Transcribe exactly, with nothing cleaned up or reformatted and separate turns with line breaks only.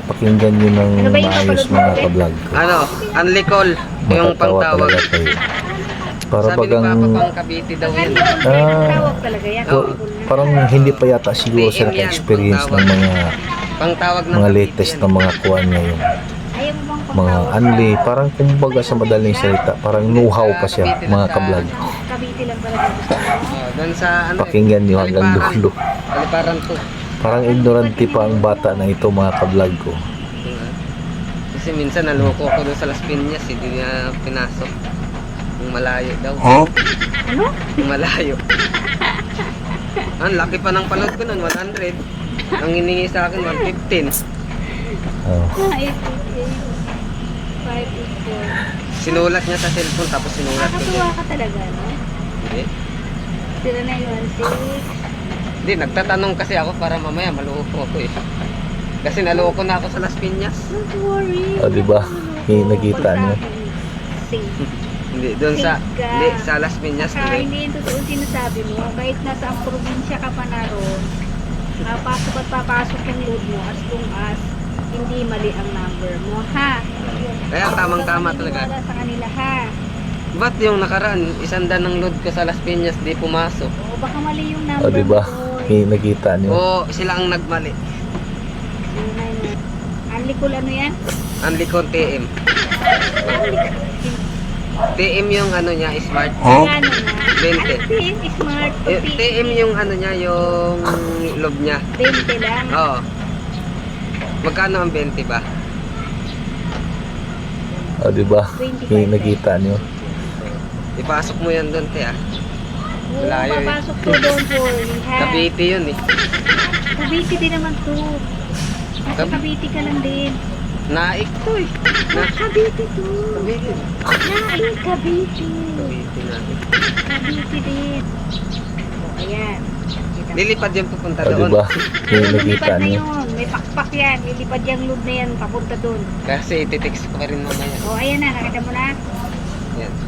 pakinggan nyo ng
Ano ba yung
maayos
kapalod mo,
mga
Ate?
kablog ko.
Ano, unlicol, yung
Matatawa
pangtawag.
talaga kayo. Para
Sabi ni
bagang
Papa pang Cavite daw yan.
Ah,
Tawag talaga yan.
ko- parang hindi pa yata siguro sila ka-experience ng mga
Pangtawag ng
mga
Cavite
latest
yan.
na mga kuwan ngayon.
Ayaw mo bang
Mga
pangtawag
anli,
sa-
parang kumbaga sa madaling salita, parang know-how pa siya mga kablog.
Cavite lang talaga gusto mo?
Oh, doon sa ano,
Pakinggan nyo hanggang
Aliparan.
dulo.
Aliparan to.
Parang ignorante pa ang bata na ito mga kablog ko.
Diba? Kasi minsan naloko ko doon sa Las Piñas, hindi niya pinasok. Yung malayo daw.
Huh?
Ano?
Yung malayo. Ang laki pa ng panood ko nun, one hundred. Ang hiningi sa akin, one fifteen.
Oh.
eight eight eight, five eight four.
Sinulat niya sa cellphone, tapos sinulat ko
Nakakatuwa
din.
ka talaga, no?
Hindi.
zero nine one six.
Hindi, nagtatanong kasi ako para mamaya maloko ako eh. Kasi naloko na ako sa Las Piñas.
Don't worry.
Oh, diba? Eh, nakita niyo?
Safe.
Hindi, doon sa,
Sige ka.
hindi, sa Las Piñas.
Saka
Hindi.
hindi yung totoo sinasabi mo, kahit nasa ang probinsya ka pa na ron, uh, pasok at papasok yung load mo as long as hindi mali ang number mo, ha?
Kaya tamang-tama
Huwag kang
talaga.
maniniwala sa kanila, ha?
Ba't yung nakaraan, isang dan ng load ko sa Las Piñas, di pumasok?
O baka mali yung
Oh,
number
diba?
mo, boy.
Eh, nakita nyo?
O sila ang nagmali.
zero nine one. Unlicol ano yan?
Unlicon T M. T M yung ano niya, smart.
Huh?
Ano na?
twenty.
Ano din? Smart.
Eh, T M yung ano niya, yung loob niya.
twenty lang.
Oo. Magkano ang twenty ba?
Oh, diba?
twenty-five.
Eh, nakita nyo?
Ipasok mo yan doon, te ah.
Oo,
Malayo eh.
papasok to, don't worry, ha?
Cavite yun eh.
Cavite din naman to. Nasa
Cab-
Cavite ka lang din.
Naik to eh. Na
Cavite to.
Cavite.
Nain, Cavite.
Cavite na.
Cavite din. O, ayan. Kita mo.
Lilipad yung pupunta
Oh,
doon.
diba? Eh,
Oo,
nakita
lumipad na
nyo?
yun. May pakpak yan. Lilipad yung load na yan. Papunta doon.
Kasi ititext ko pa rin mamaya.
O, ayan na. Nakita mo na.
Yan.